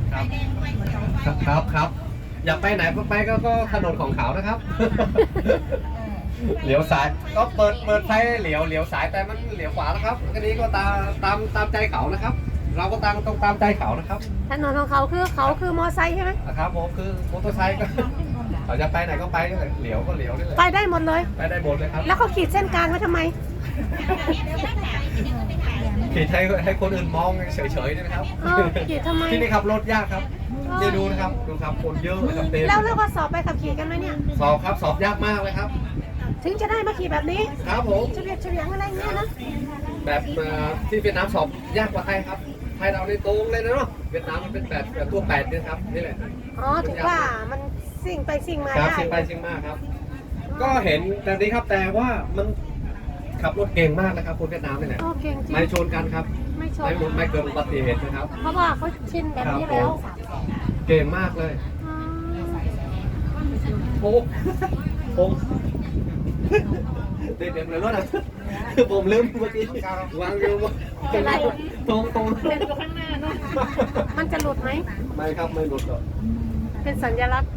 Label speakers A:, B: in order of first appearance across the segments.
A: ครับอยากไปไหนก็ไปก็ถนนของเขานะครับเหลียวซ้ายก็เปิดไฟเหลียวซ้ายแต่มันเหลียวขวานะครับก็นี้ก็ตามใจเขานะครับ เราก็ต้องตามใจเขานะครับ
B: ถนนของเขาคือมอไซค์ใช่ไหม
A: ครับผมคือมอเตอร์ไซค์ก็เขาจะไปไหนก็ไปเหลียวก็เหลียวนี่แหละ
B: ไปได้หมดเลย
A: ไปได้หมดเลยครับ
B: แล้วเขาขีดเส้นกลางไว้ทำไม
A: ขีดให้คนอื่นมองเฉยๆนี่นะครับ
B: ขีดทำไม
A: ที่นี่ขับรถยากครับนี่ดูนะครับคนเยอะเลยครับเต็ม
B: แล้วก็สอบไปขับขี่กันไหมเนี่ย
A: สอบครับสอบยากมากเลยครับ
B: ถึงจะได้มาขี่แบบนี้
A: ครับผม
B: เฉลียงอะไรเงี้ยนะ
A: แบบที่เวียดนามสอบยากกว่าไทยครับไทยเราในตรงเลยนะเนาะเวียดนามมันเป็นแบบตัว8นี่ครับนี่แหละ
B: อ๋อถูกว่ามันสิ่งไปสิ่งมา
A: ครับ
B: ได้
A: เชียงไปเชียงมาครับ ก็เห็นแต่นี้ครับแต่ว่ามันขับรถเก่งมากนะครับคนเวียดนามนี่แหละ
B: โอเคจริง
A: ไม่ชนกันครับ
B: ไม่ชน
A: ไม่เกิดอุบัติเหตุนะครับ
B: เพราะว่าเขาชินแบบนี้แล้ว
A: เก่งมากเลย
B: อ๋อ
A: โอ้ผมเต็มเลยรถอ่ะผมลืมเมื่อกี้วางอยู่ตรง
B: มันจะหลุดไหม
A: ไม่ครับไม่หลุดหรอก
B: เป็นสัญลักษณ์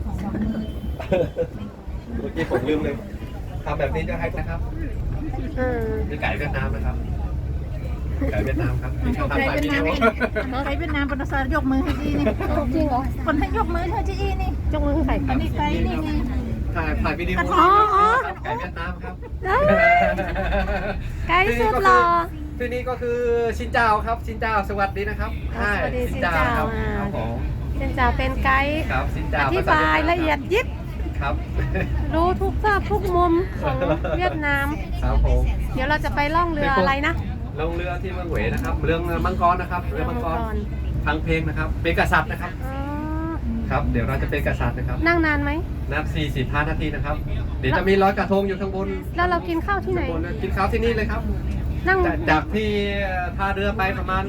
A: เมื่อกี้ผมลืมเลยทำแบบนี้จะให้นะครับมีไก่เวียดนามนะครับไก่เวียดนามครับที่เขาทำถ่ายวิดีโอ
C: ไทยเวียดนามปนสารยกมือให้จีนี่
B: จริงเหรอ
C: คนให้ยกมือให้จีนี่
B: จงมือให้ใคร
C: อันนี้ไกลนี่ไง
A: ถ่ายวิดีโอ
B: อ๋อ
A: ไก่เวียดนามครับ
B: ไกด์สุดหล่อ
A: ที่นี่ก็คือชินเจ้าครับชินเจ้าสวัสดีนะครับ
B: สวัสดี
A: ชินเจ้าครับครับผม
B: เซนจ่าเป็นไกด์
A: ครับชิน
B: อ
A: เจ้า
B: ธิบายละเอียดยิบ
A: ครับ
B: รู้ทุกซอกทุกมุมของเวียดนาม
A: ครับผม
B: เดี๋ยวเราจะไปล่องเรืออะไรนะ
A: ลงเรือที่เมืองเหวยนะครับเรือมังกรนะครับเรือมังกรฟังเพลงนะครับเป็นกษัตริย์นะครับ
B: อ๋อ
A: ครับเดี๋ยวเราจะเป็นกษัตริย์นะครับ
B: นั่งนานไหม
A: นับ45 นาทีนะครับเดี๋ยวจะมีร้อยกระทงอยู่ข้างบน
B: แล้วเรากินข้าวที่ไหน
A: ข้างบนกินข้าวที่นี่เลยครับ
B: นั่ง
A: จากที่ท่าเรือไปประมาณ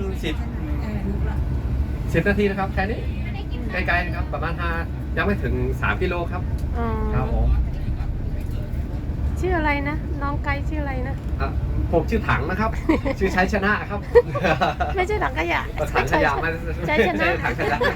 A: 10นาทีนะครับแค่นี้ใกล้ๆนะครับประมาณ5ยังไม่ถึง3กิโลครับ
B: อ๋อ
A: ครับผม
B: ชื่ออะไรนะ น้องไกด์ชื่ออะไรนะ
A: ผมชื่อถังนะครับ ชื่อชัยชนะครับ
B: ไม่ใช่ถังขยะ
A: ถังขยะมา
B: ใช้ชนะ
A: ถังขยะ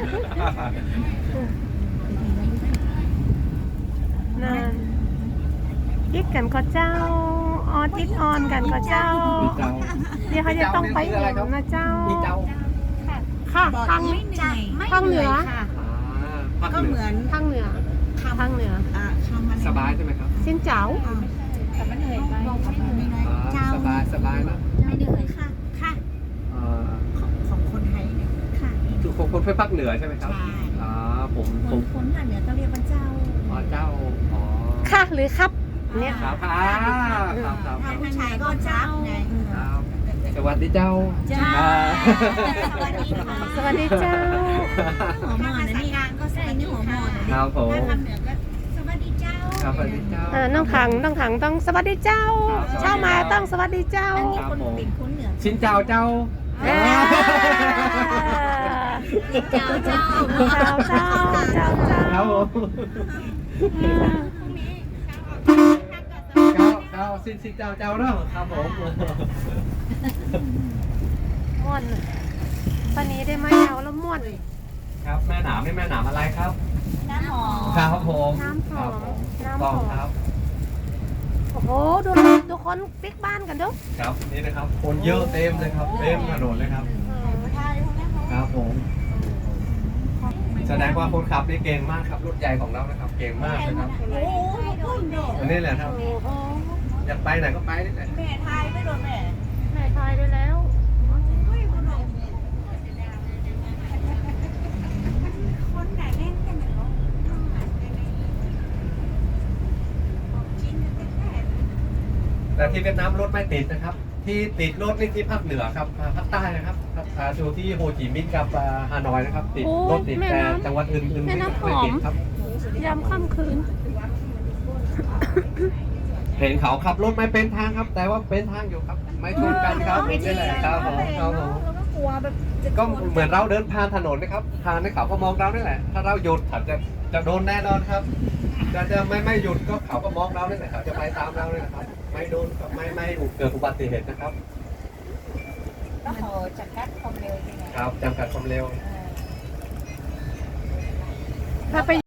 B: นานยิกกันก็เจ้าออทิดออนกันก็เจ้า เดี๋ยวเขาจะต้องไปเองนะเจ้า
A: พี่เจ้า
B: ค่ะทาง ทางเหนือ
A: ภาค
C: ก็
A: เห
C: เห
A: นื
C: มื
A: อ
C: อน
B: ทางเหนือทางเหนือ
C: คำมัน
A: สบายใช่ไหมครับ
B: สินเจ้า
C: แต่มันเหนื่อยไปเจ้า
A: สบายนะ
C: ไม่เหนื่อยค่ะค่ะ ของคนไทยเนี่ยค่ะ
A: คือคนภาคเหนือใช่ไหมครับ
C: ใช่
A: ผม
C: คนภาคเหนือก็เรียกว่าเจ้า
A: เจ้าอ๋อ
B: ค่ะหรือครับเนี่ย
A: ครับครับ
C: ถ้าผู้ชายก็เจ้าไง
A: สวัสดีเจ้า
C: เจ้า
B: สวัสดีเจ้า
C: หัวหมอนนะนี่ก็ใส่นี่หัวหมอน
A: ครับผม
C: ถ้าทำเหนือก็สวัสดีเจ้า
A: ครับสวัสดีเจ้า
B: น้องถังต้องสวัสดีเจ้า เช้ามาต้องสวัสดีเจ้า
C: อันนี้คนเป็นคนเหนือ
A: ชินเจ้าเจ้า
B: เอ้ย
C: เจ้าเจ้า
B: เจ้า
A: ครับผมเจ้าชินเจ้าเนาะครับผม
B: ม่วนตอนนี้ได้ไหมเอาแล้วม่วน
A: ครับแม่หนามนี่แม่หนามอะไรครับ
C: น้ำหอม
A: ครับผม
B: น้ำหอม
A: ครับผม
B: น้ำหอม
A: ต้องครับ
B: โอ้โหดูคนปิ๊กบ้านกันดู
A: ครับนี่นะครับคนเยอะเต็มเลยครับเต็มถนนเลยครับครับผมแสดงว่าคนขับนี่เก่งมากครับรถใหญ่ของเรานะครับ เก่งมากเลยครับ
C: โอ้ยพุ่นโดด
A: อันนี้แหละครับ
B: โอ้โห
A: อยากไปไหนก็ไปนี่แหละ
C: แม่ทายไม่โดนแม่
B: แม่ทายไปแล้ว
C: คนไหนเล่นกันเนาะ
A: แต่ที่เวียดนามรถไม่ติดนะครับ ที่ติดรถนี่ที่ภาคเหนือครับภาคใต้นะครับดูที่โฮจิมินห์กับฮานอยนะครับ ติดรถติดแต่จังหวัดอื่นๆไม่ติดครับ
B: ยามค่ำคืน
A: เห็นเขาขับรถไม่เป็นทางครับ แต่ว่าเป็นทางอยู่ครับ ไม่ชนกันครับนี่แหละครับผมครับผม
C: แล้วก็กลัวแบบ
A: ก็เหมือนเราเดินผ่านถนนนะครับผ่านในเขาก็มองเรานี่แหละ ถ้าเราหยุดเขาจะโดนแน่นอนครับจะไม่หยุดก็เขาก็มองเรานี่แหละเขาจะไปตามเราเนี่ยนะครับ ไม่โดนไม่เกิดอุบัติเหตุนะครับ
C: ต้องขอจัดการความเร็วยังไง
A: ครับจำกัดความเร็ว
B: เราไป